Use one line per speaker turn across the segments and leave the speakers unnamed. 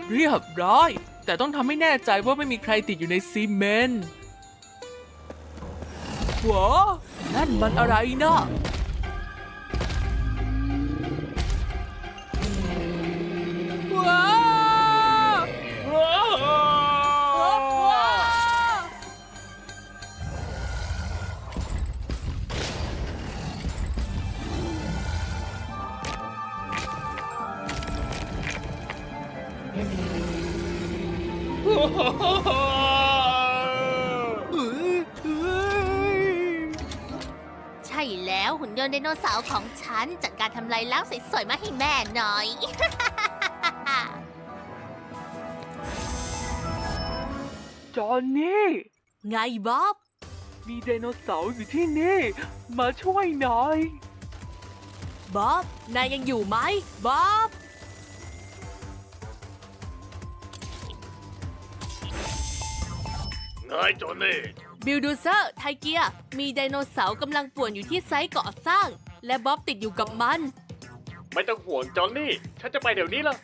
เรียบร้อยแต่ต้องทำให้แน่ใจว่าไม่มีใครติดอยู่ในซีเมนต์ว้านั่นมันอะไรนะว้า
ใช่แล้วหุ่นยนต์ไดโนเสาร์ของฉันจัดการทำลายล้างสวยๆมาให้แม่หน่อย
จอห์นนี่
ไงบ๊อบ
มีไดโนเสาร์อยู่ที่นี่มาช่วยหน่อย
บ๊อบ นายยังอยู่ไหมบ๊อบ
ไงจอนนี่
บิลดูเซอร์ไทเกียมีไดโนเสาร์กำลังป่วนอยู่ที่ไซต์ก่อสร้าง และบ๊อบติดอยู่กับมัน
ไม่ต้องห่วงจอนนี่ ฉันจะไปเดี๋ยวนี้ละ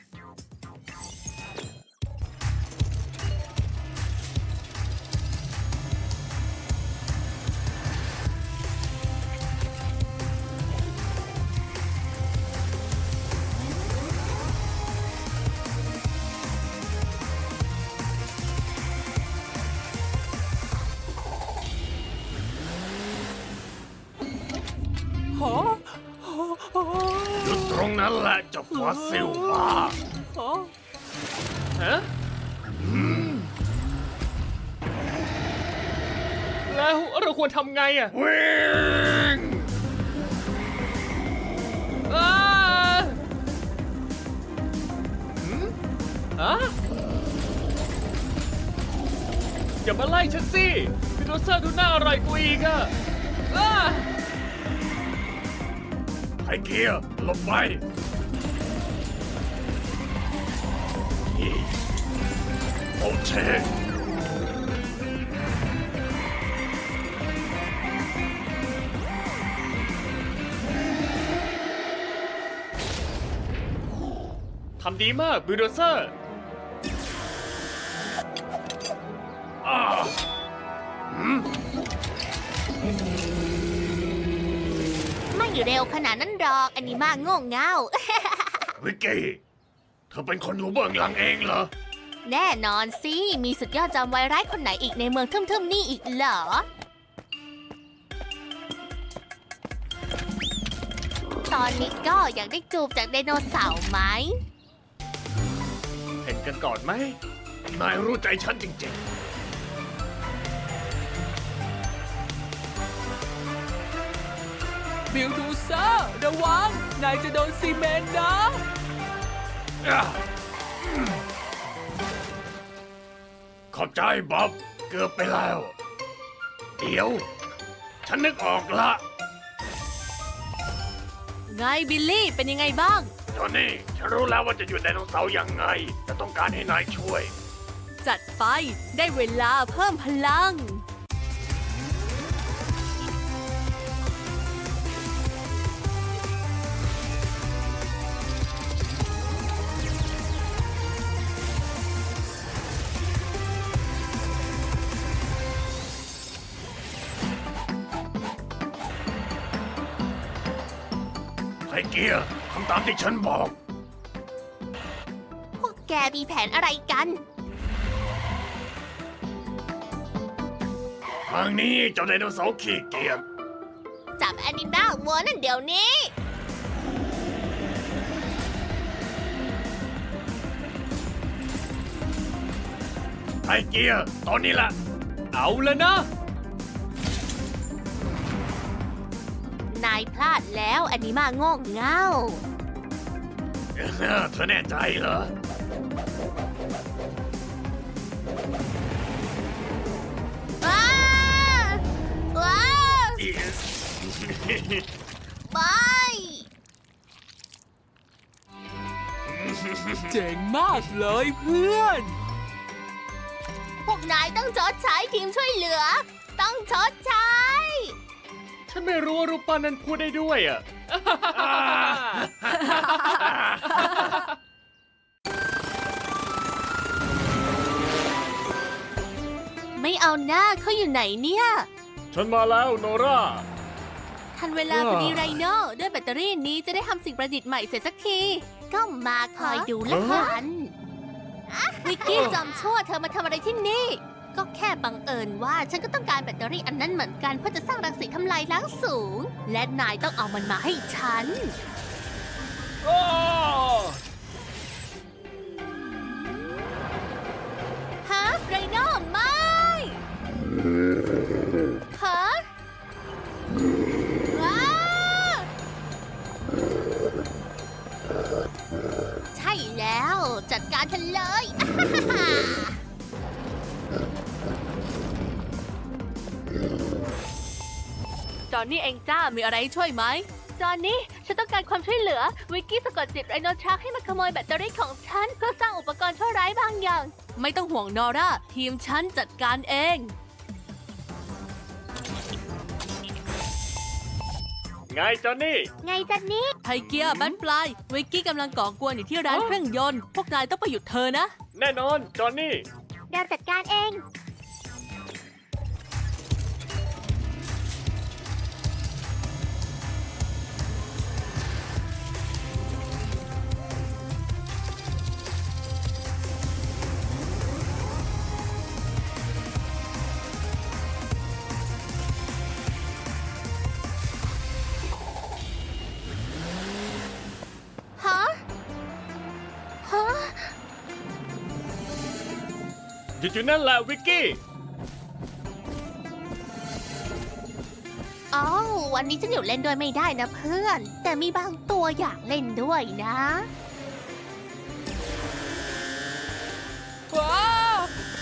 ฮะ
หยุดตรงนั้นแหละเจ้าฟอสซิลบ้า
ฮะ
แล้วเราควรทำไงอ่ะ วิ่งอย่ามาไล่ฉันสิดิโนเสาร์ดูน่าอร่อยกว่าอีกอ่ะไทเกียร์หลบไปโอเชทำดีมากบิลโดเซอร์
ไม่เร็วขนาดนั้นหรอกอันนี้มากโง่เง่า
วิกกี้ เธอเป็นคนอยู่เบื้องหลังเองเหรอ
แน่นอนสิ มีสุดยอดจอมวายร้ายคนไหนอีกในเมืองทึ่มๆนี่อีกเหรอ ตอนนี้ก็อยากได้จูบจากไดโนเสาร์ไหม
เห็นกันก่อนไหม นายรู้ใจฉันจริง
บิลดูเซอร์ระวัง นายจะโดนซีเมนต์นะ
ๆ ขอบใจบ๊อบ เกือบไปแล้ว เดี๋ยว ฉันนึกออกละ
ไงบิลลี่เป็นยังไงบ้าง
จอนนี่ ฉันรู้แล้วว่าจะหยุดไดโนเสาร์ยังไง แต่ต้องการให้นายช่วย
จัดไปได้เวลาเพิ่มพลัง
ไทเกียร์ทำตามที่ฉันบอก
พวกแกมีแผนอะไรกัน
ทางนี้เจ้าไดโนเสาร์ขี้เกียจ
จับแอนิมาลวัวนั่นเดี๋ยวนี้
ไทเกียร์ตอนนี้ละ
เอาแล้วนะ
นายพลาดแล้วแอนิมาโง่เง่า
เธอแน่ใจเหรอ
ว้าว้าไป
เจ๋งมากเลยเพื่อน
พวกนายต้องชดใช้ทีมช่วยเหลือ ต้องชดใช้
ฉันไม่รู้ว่ารูปปั้นนั้นพูดได้ด้วยอ่ะ
หน้าเขาอยู่ไหนเนี่ย
ฉันมาแล้วโนรา
ทันเวลาพอดีไรโน่ด้วยแบตเตอรี่นี้จะได้ทำสิ่งประดิษฐ์ใหม่เสร็จสักที ก็มาคอยดูละกันวิกกี้จอมชั่วเธอมาทำอะไรที่นี่ ก็แค่บังเอิญว่าฉันก็ต้องการแบตเตอรี่อันนั้นเหมือนกันเพื่อจะสร้างรังสีทำลายล้างสูง และนายต้องเอามันมาให้ฉัน ฮะไรโน่ไม่ฮะว้าใช่แล้วจัดการฉันเลย
จอนนี่เองจ้า มีอะไรให้ช่วยไหม
จอนนี่ฉันต้องการความช่วยเหลือ วิกกี้สะกดจิตไรโนทรัคให้มาขโมยแบตเตอรี่ของฉันเพื่อสร้างอุปกรณ์ชั่วร้ายบางอย่าง
ไม่ต้องห่วงนอร่า ทีมฉันจัดการเอง
ไงจอนนี่
ไงจันนี่
ไทเกียร์แบทฟลายวิกกี้กำลังก่อกวนอยู่ที่ร้านเครื่องยนต์ พวกนายต้องไปหยุดเธอนะ
แน่นอนจอนนี่
เราจัดการเอง ฮะ ฮะ
หยุดอยู่นั่นแหละวิกกี้
อ๋อวันนี้ฉันอยู่เล่นด้วยไม่ได้นะเพื่อน แต่มีบางตัวอยากเล่นด้วยนะ
ว้าว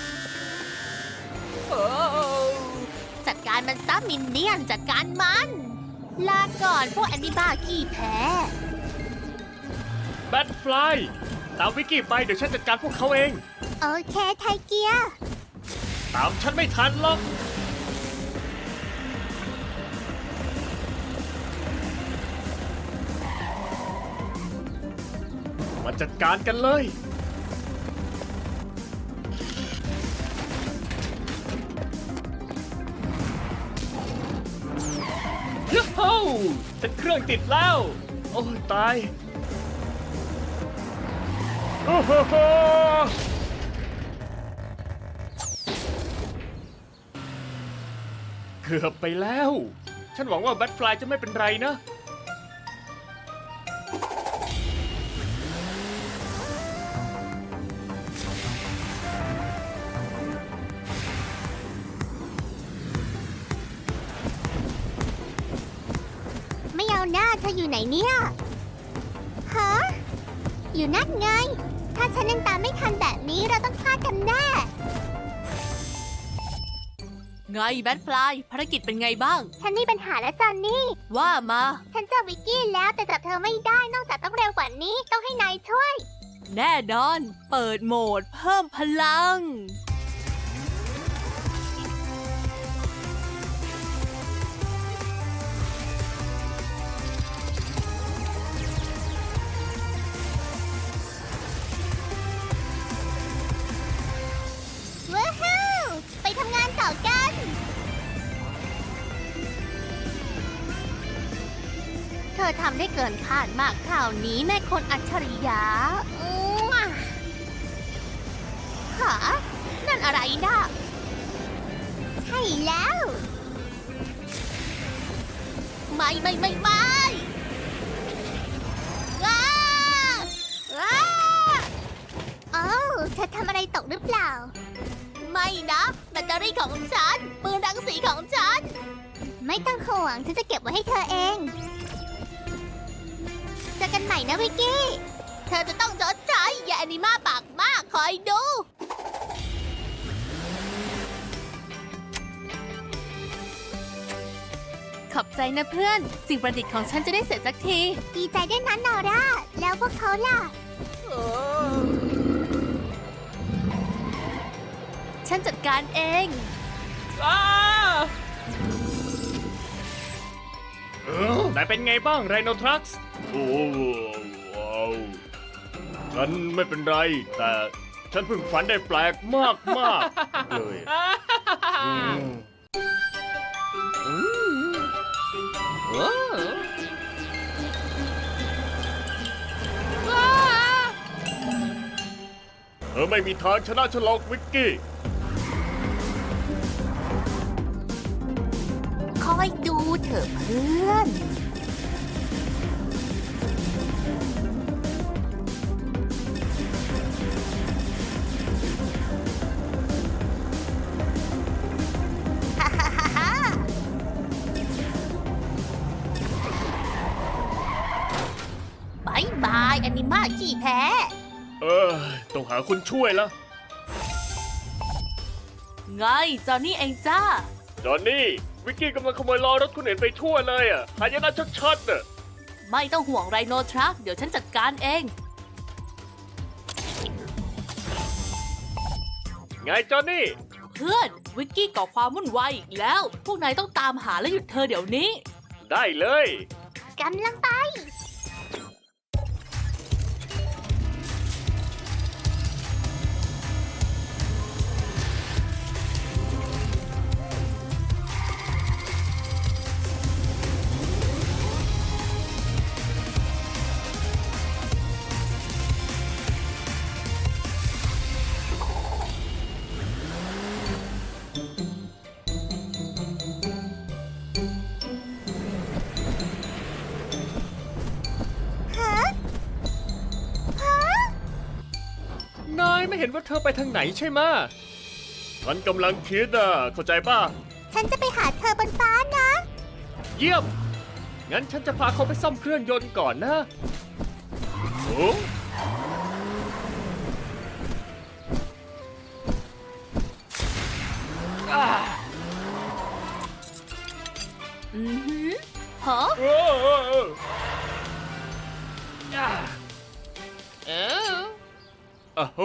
โอ้
จัดการมันซะมินเนี่ยนจัดการมัน ลาก่อนพวกแอนิบ้าขี้แพ้
แบทฟลายตามวิกกี้ไปเดี๋ยวฉันจัดการพวกเขาเอง
โอเคไทเกียร์
ตามฉันไม่ทันหรอก มาจัดการกันเลย ยูฮูฉันเครื่องติดแล้ว โอ้ยตาย โอ้โห เกือบไปแล้ว ฉันหวังว่าแบทฟลายจะไม่เป็นไรนะ
ไม่เอาหน้าเธออยู่ไหนเนี่ย ฮะ อยู่นั่นไง ถ้าฉันยังตามไม่ทันแบบนี้เราต้องพลาดกันแน่
ไงแบทฟลายภารกิจเป็นไงบ้าง
ฉันมีปัญหาแล้วจอนนี่
ว่ามา
ฉันเจอวิกกี้แล้วแต่จับเธอไม่ได้นอกจากต้องเร็วกว่านี้ต้องให้นายช่วย
แน่นอน เปิดโหมดเพิ่มพลัง
ว้าวไปทำงานต่อกัน เธอทำได้เกินคาดมากคราวนี้แม่คนอัจฉริยะหานั่นอะไรนะใช่แล้ว ไม่ว้าว้าเอ้าเธอทำอะไรตกหรือเปล่า ไม่นะแบตเตอรี่ของฉันปืนรังสีของฉัน ไม่ต้องห่วงฉันจะเก็บไว้ให้เธอเองเจอกันใหม่นะวิกกี้ เธอจะต้องชดใช้อย่าแอนิมาปากมากคอยดู
ขอบใจนะเพื่อน สิ่งประดิษฐ์ของฉันจะได้เสร็จสักที
ดีใจด้วยนะนอร่า แล้วพวกเขาล่ะ
ฉันจัดการเอง
นายเป็นไงบ้างไรโนทรัคส์โอ้ว้าวฉันไม่เป็นไร แต่ฉันเพิ่งฝันได้แปลกมากเลยเธอไม่มีทางชนะฉันหรอกวิกกี้
คอยดูเถอะเพื่อน ฮ่าฮ่าฮ่าฮ่าบายบายแอนิมาขี้แพ้
ต้องหาคนช่วยละ
ไงจอนนี่เองจ้า
จอนนี่ วิกกี้กำลังขโมยล้อรถคนอื่นไปทั่วเลยอ่ะหายนะชัดๆน่ะ
ไม่ต้องห่วงไรโนทรัคเดี๋ยวฉันจัดการเอง
ไงจอนนี่
เพื่อนวิกกี้ก่อความวุ่นวายอีกแล้ว พวกนายต้องตามหาและหยุดเธอเดี๋ยวนี้
ได้เลย
กำลังไป
นายไม่เห็นว่าเธอไปทางไหนใช่ไหมะฉันกำลังคิดอ่ะ เข้าใจป่ะ
ฉันจะไปหาเธอบนฟ้านะ
เยี่ยม งั้นฉันจะพาเขาไปซ่อมเครื่องยนต์ก่อนนะโอ้
อือหือฮะ
โอ้โอ้โอ้อ่ะโห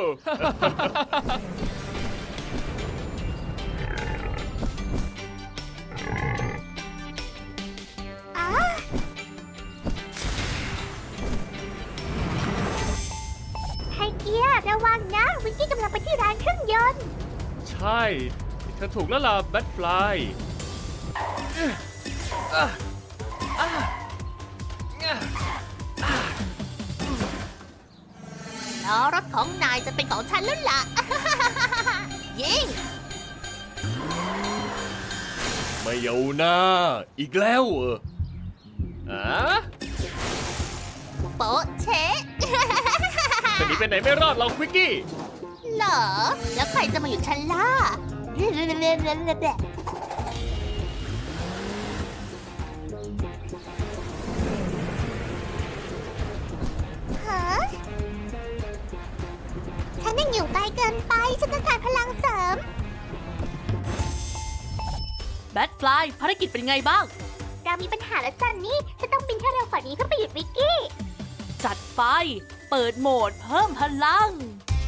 อ้าไฮเกียร์ระวังนะ วิกกี้กำลังไปที่ร้านเครื่องยนต์
ใช่เธอถูกแล้วล่ะแบทฟลาย
ล้อรถของนายจะเป็นของฉันแล้วล่ะ ยิง
ไม่เอาหน้า อีกแล้วเหรออ่ะ
โป๊ะเชะ
จะหนีไปไหนไม่รอดหรอกวิกกี้
เหรอ แล้วใครจะมาหยุดฉันล่ะ ฮะ ฉันยังอยู่ไกลเกินไป ฉันต้องการพลังเสริม
แบทฟลายภารกิจเป็นไงบ้าง
เรามีปัญหาแล้วจันนี่ ฉันต้องบินให้เร็วกว่านี้เพื่อไปหยุดวิกกี้
จัดไป เปิดโหมดเพิ่มพลัง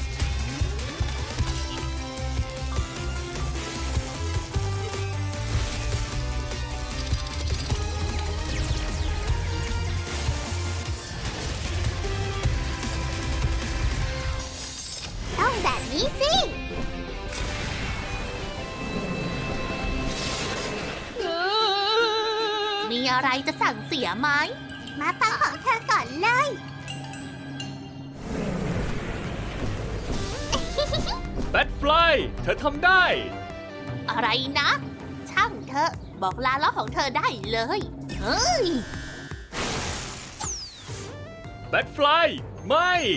ต้องแบบนี้สิ มีอะไรจะสั่งเสียไหม มาฟังของเธอก่อนเลย
แบทฟลายเธอทำได้
อะไรนะ ช่างเธอะบอกลาล้อของเธอได้เลย เฮ้ย
แบทฟลายไม่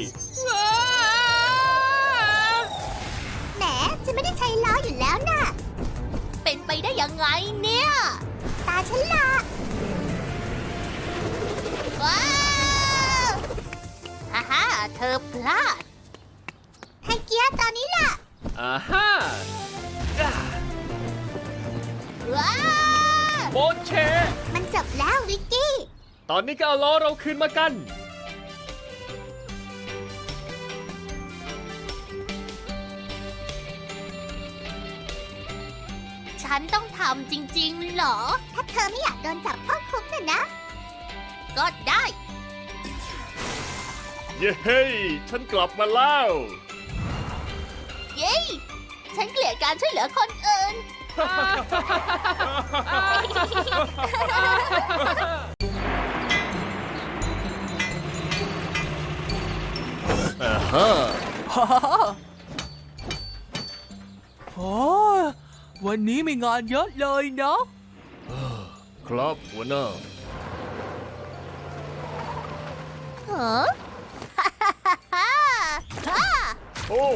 แหมฉันไม่ได้ใช้ล้ออยู่แล้วน่ะ เป็นไปได้ยังไงเนี่ย ตาฉันละว้าวฮ่าฮ่าเธอพลาด ให้เกียร์ตอนนี้ล่ะ
อ่าฮ่า
ว้าว
โบนเช
มันจบแล้ววิกกี้
ตอนนี้ก็เอาล้อเราคืนมากัน
ฉันต้องทำจริงๆเหรอ ถ้าเธอไม่อยากโดนจับเข้าคุกน่ะนะ ก็ได้
เย้ ฉันกลับมาแล้ว
เย้ฉันเกลียดการช่วยเหลือคนอื่น
ฮ่าโอ้วันนี้มีงานเยอะเลยเนาะ
ครับหัวหน้า
เหรอ
โอ้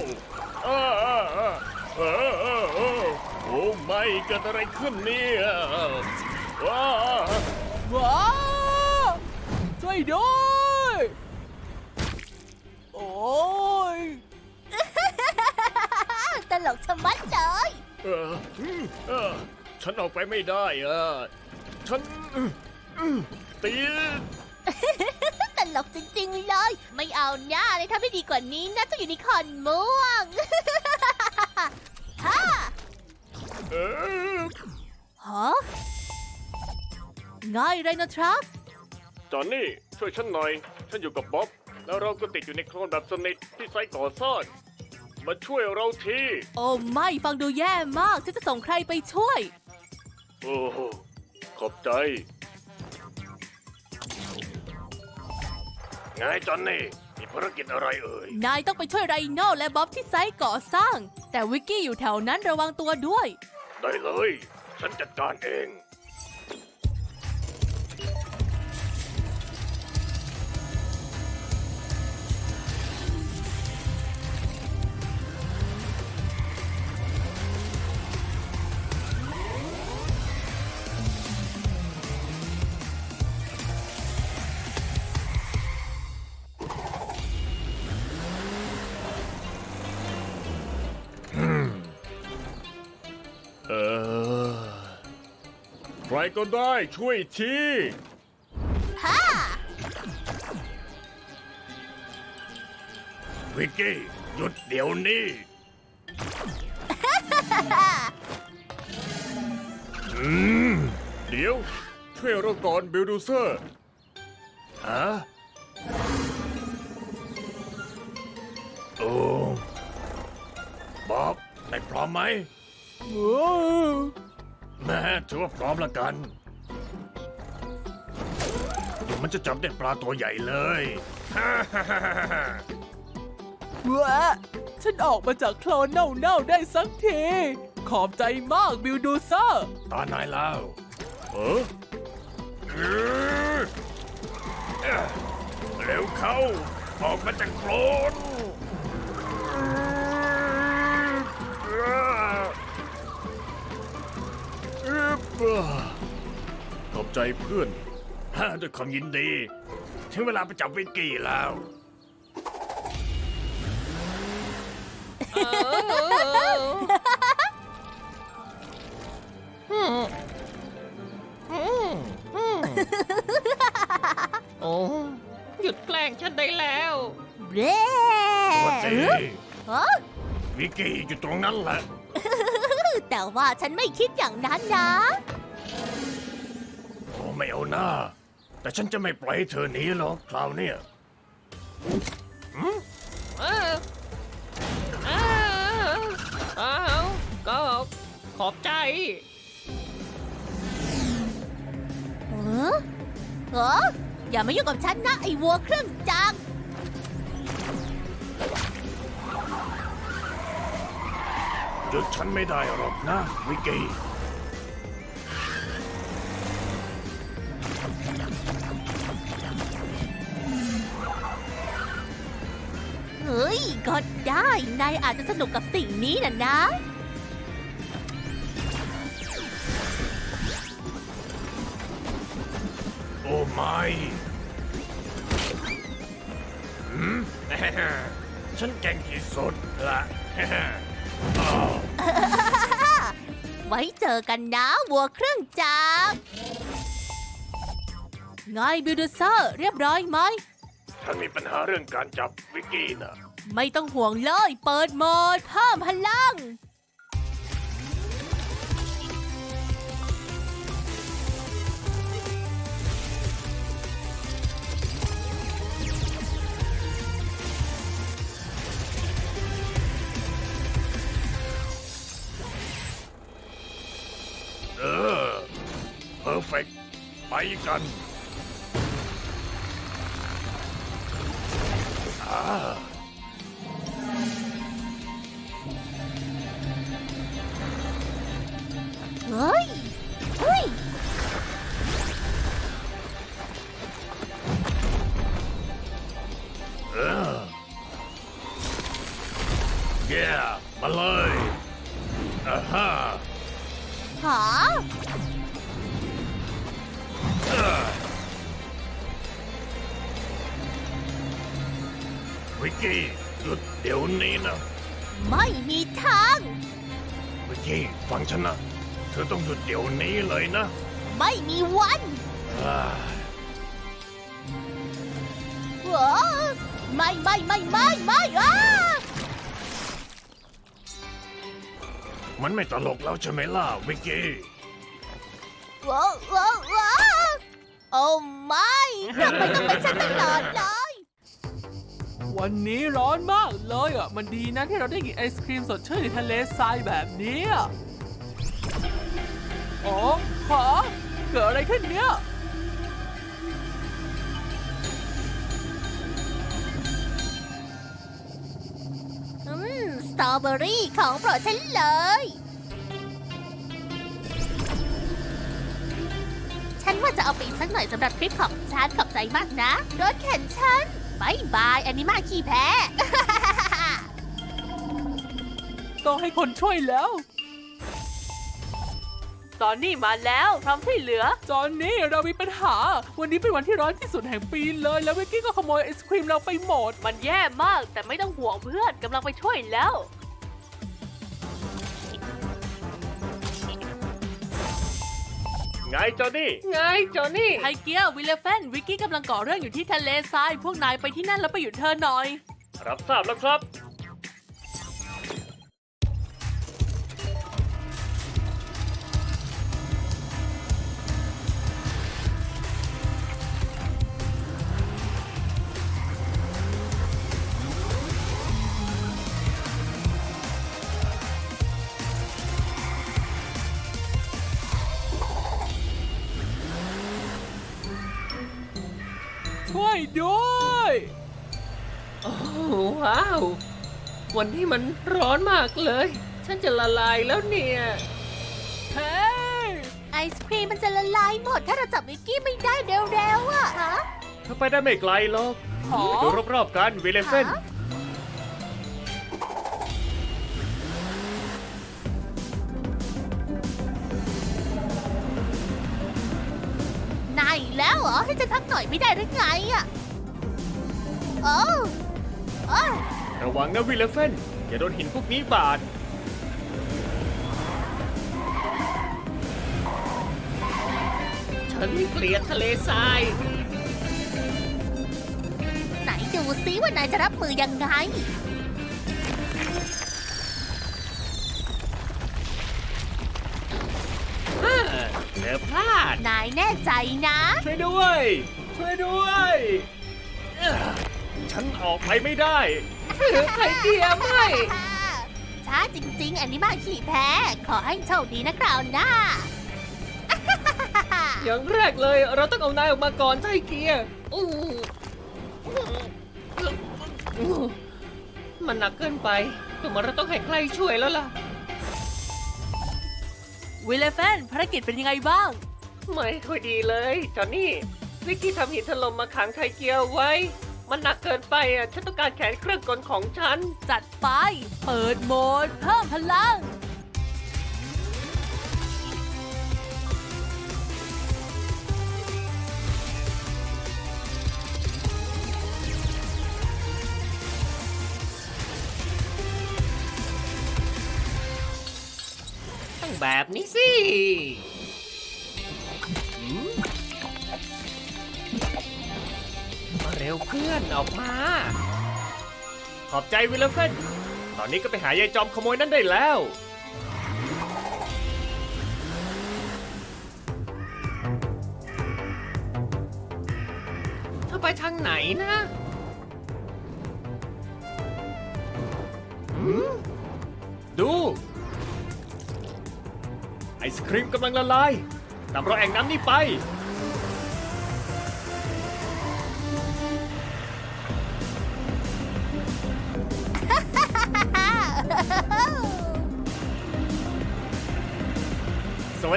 โอ้ไม่เกิดอะไรขึ้นเนี่ยว้า
ว้าวช่วยด้วยโอ้ย
ตลกชะมัดเลย
ฉันออกไปไม่ได้ฉันตี
ตลกจริงๆเลย ไม่เอาหน้าเลยถ้าไม่ดีกว่านี้นะเจะอยู่ในคอนม่วง ฮ่า ฮะง่ายไรนะทรัค
จอนนี่ช่วยฉันหน่อย ฉันอยู่กับบ๊อบ แล้วเราก็ติดอยู่ในโคลนแบบสนิทที่ไซต์ก่อสร้างมาช่วยเราที
โอ้ไม่ฟังดูแย่มากฉันจะส่งใครไปช่วย
โอ้โหขอบใจ ไงจอนนี่ มีภารกิจอะไรเอ่ย
นายต้องไปช่วยไรโน่และบ๊อบที่ไซต์ก่อสร้าง แต่วิกกี้อยู่แถวนั้นระวังตัวด้วย
ได้เลย ฉันจัดการเอง เออ ใครก็ได้ช่วยที
ฮ่า
วิกกี้หยุดเดี๋ยวนี้ เดี๋ยว ช่วยเราก่อนบิลดูเซอร์ฮะโอ้บ๊อบนายพร้อมไหมแม่ถือว่าพร้อมละกัน เดี๋ยวมันจะจับได้ปลาตัวใหญ่เลย
วะฉันออกมาจากโคลนเน่าๆได้สักที ขอบใจมากบิลดูเซอร์
ตานายแล้วเร็วเข้า ออกมาจากโคลนขอบใจเพื่อนด้วยความยินดี ถึงเวลาไปจับวิกกี้แล้ว
โอ้หยุดแกล้งฉันได้แล้ว
เร่
สวัสดี
ฮะ
วิกกี้อยู่ตรงนั้นแหละ
แต่ว่าฉันไม่คิดอย่างนั้นนะ
โอ้ไม่เอาหน้า แต่ฉันจะไม่ปล่อยให้เธอหนีหรอกคราวเนี้ย
เอออ้าวอ้าวก็ขอบใจ
เออเอออย่ามายุ่งกับฉันนะ ไอ้วัวเครื่องจักร
หยุดฉันไม่ได้หรอกนะวิกกี้
เฮ้ย ก็ได้ นายอาจจะสนุกกับสิ่งนี้นะ
โอ้ไม่ฉันเก่งที่สุดละ
ไว้เจอกันนะ วัวเครื่องจักร
ไงบิลดูเซอร์เรียบร้อยไหม
ฉันมีปัญหาเรื่องการจับวิกกี้นะ
ไม่ต้องห่วงเลย เปิดโหมดเพิ่มพลัง
กัน
เฮ้ย เฮ้ย
แย่มาเลยอ่าฮะ
หา
วิกกี้หยุดเดี๋ยวนี้นะ
ไม่มีทาง
วิกกี้ฟังฉันนะ เธอต้องหยุดเดี๋ยวนี้เลยนะ
ไม่มีวัน
อ่า
ว้าไม่อ้า
มันไม่ตลกแล้วใช่ไหมล่ะวิกกี้
ว้าโอ้ไม่ทำไมต้องเป็นฉันตลอดเลย
วันนี้ร้อนมากเลยอ่ะ มันดีนะที่เราได้กินไอศครีมสดชื่นในทะเลทรายแบบนี้อะอ๋อฮะเกิดอะไรขึ้นเนี่ย
สตรอเบอรี่ของโปรดฉันเลย ฉันว่าจะเอาไปอีกสักหน่อยสำหรับทริปของฉันขอบใจมากนะ รถเข็นฉันบายบายอันนี้มาขี้แพ้
ต้องให้คนช่วยแล้ว ตอนนี้มาแล้วพร้อมช่วยเหลือ ตอนนี้เรามีปัญหา วันนี้เป็นวันที่ร้อนที่สุดแห่งปีเลย แล้ววิกกี้ก็ขโมยไอศครีมเราไปหมด มันแย่มาก แต่ไม่ต้องห่วงเพื่อนกำลังไปช่วยแล้ว
ไงจอนี่
ไงจอนี่
ไทเกียร์วิลเลฟนวิกกี้กำลังก่อเรื่องอยู่ที่ทะเลทราย พวกนายไปที่นั่นแล้วไปหยุดเธอหน่อย
รับทราบแล้วครับ
ช่วยด้วย
โอ้ว้าว วันนี้มันร้อนมากเลย ฉันจะละลายแล้วเนี่ย
เฮ้ย
ไอศครีมมันจะละลายหมด ถ้าเราจับวิกกี้ไม่ได้เร็วๆอะฮะ
เธอไปได้ไม่ไกลหรอก
หอ
ดูรอบๆกันวิลเลฟน
ฮะ นายอีกแล้วเหรอ ให้ฉันพักหน่อยไม่ได้หรือไงอะโอ้โอ้
ระวังนะวิลเลฟนอย่าโดนหินพวกนี้บาด
ฉันเกลียดทะเลทราย
ไหนดูซิว่านายจะรับมือยังไง
เธอพลาด
นายแน่ใจนะ
ช่วยด้วย ช่วยด้วยฉันออกไปไม่ได้
ไทเกียร์ไม่
ช้าจริงๆ อันนี้มาขี่แพ้ ขอให้โชคดีนะคราวหน้า
อย่างแรกเลยเราต้องเอานายออกมาก่อนไทเกียร์อู้มันหนักเกินไปแต่เราต้องให้ใครช่วยแล้วล่ะ
วิลเลฟนภารกิจเป็นยังไงบ้าง
ไม่ค่อยดีเลยจอนนี่วิกกี้ทำหินถล่มมาขังไทเกียร์ไว้ มันหนักเกินไปอ่ะฉันต้องการแขนเครื่องกลของฉัน
จัดไป เปิดโหมด เพิ่มพลัง
ต้องแบบนี้สิมาเร็วเพื่อนออกมา
ขอบใจวิลเลฟนตอนนี้ก็ไปหายายจอมขโมยนั่นได้แล้ว
เธอไปทางไหนนะ
ดู ไอศครีมกำลังละลายนำเราแอ่งน้ำนี่ไป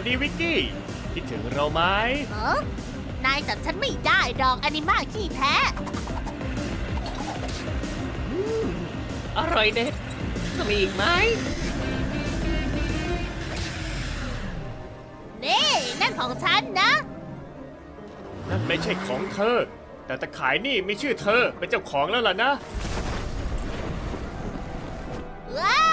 ดีวิกกี้ คิดถึงเราไหม
เออนายจับฉันไม่ได้ดอกอนิมาขี้แพ้
อร่อยเด็ดจะมีอีกไหม
นี่นั่นของฉันนะ
นั่นไม่ใช่ของเธอ แต่ตะขายนี่มีชื่อเธอเป็นเจ้าของแล้วล่ะนะ
ว้า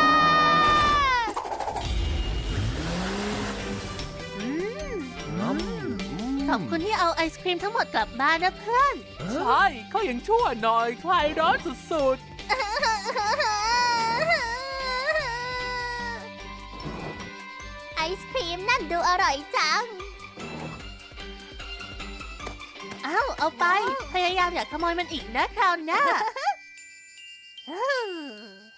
อืมขอบคุณที่เอาไอศครีมทั้งหมดกลับบ้านนะเพื่อน
ใช่เขายังชั่วหน่อยคลายร้อนสุด
ไอศครีมนั่นดูอร่อยจัง เอาไป พยายามอย่าขโมยมันอีกนะคราวหน้า